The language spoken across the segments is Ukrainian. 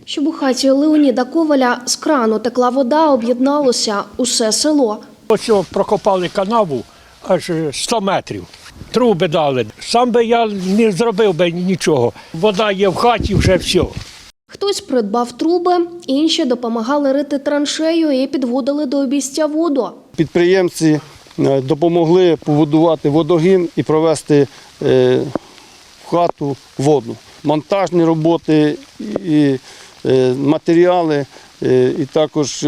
Щоб у хаті Леоніда Коваля з крану текла вода, об'єдналося усе село. Ось прокопали канаву аж 100 метрів. Труби дали. Сам би я не зробив би нічого. Вода є в хаті, вже все. Хтось придбав труби, інші допомагали рити траншею і підводили до обійстя воду. Підприємці допомогли побудувати водогін і провести в хату воду. Монтажні роботи, і матеріали, і також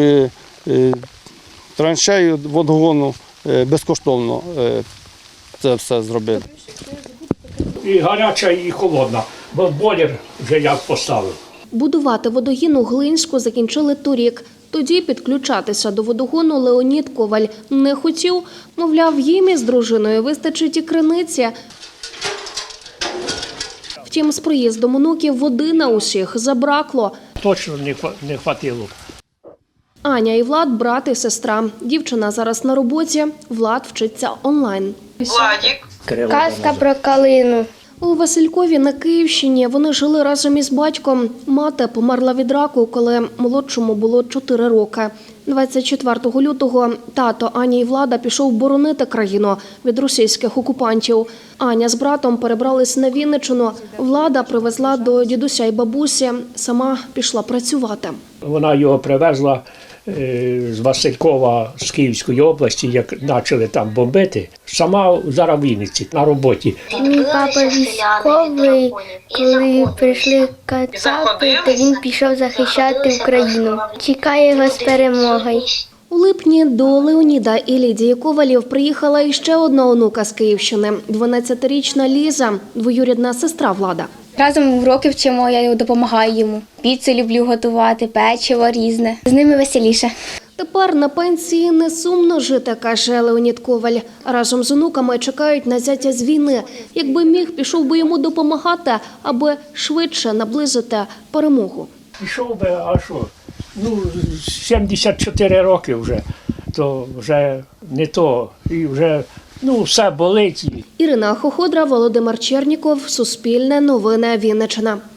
траншею водогону безкоштовно це все зробили. І гаряча, і холодна, бо бойлер вже як поставив. Будувати водогін у Глинську закінчили торік. Тоді підключатися до водогону Леонід Коваль не хотів. Мовляв, їм із дружиною вистачить і криниці. Втім, з приїздом онуків води на усіх забракло. Точно не хватило. Аня і Влад – брат і сестра. Дівчина зараз на роботі, Влад вчиться онлайн. Владик. Казка про калину. У Василькові на Київщині вони жили разом із батьком. Мати померла від раку, коли молодшому було 4 роки. 24 лютого тато Ані і Влада пішов боронити країну від російських окупантів. Аня з братом перебрались на Вінниччину. Влада привезла до дідуся і бабусі, сама пішла працювати. Вона його привезла з Василькова, з Київської області, як почали там бомбити. Сама зараз в Вінниці на роботі. Мій папа військовий, коли прийшли кацапи, то він пішов захищати Україну. Чекає його з перемогою. У липні до Леоніда і Лідії Ковалів приїхала іще одна онука з Київщини – 12-річна Ліза, двоюрідна сестра Влада. Разом уроки вчимо, я допомагаю йому. Піцу люблю готувати, печиво різне. З ними веселіше. Тепер на пенсії не сумно жити, каже Леонід Коваль. Разом з онуками чекають на зятя з війни. Якби міг, пішов би йому допомагати, аби швидше наблизити перемогу. Пішов би, а що? 74 роки вже, то вже не то. І вже все болить. Ірина Хоходра, Володимир Черніков, Суспільне новини, Вінниччина.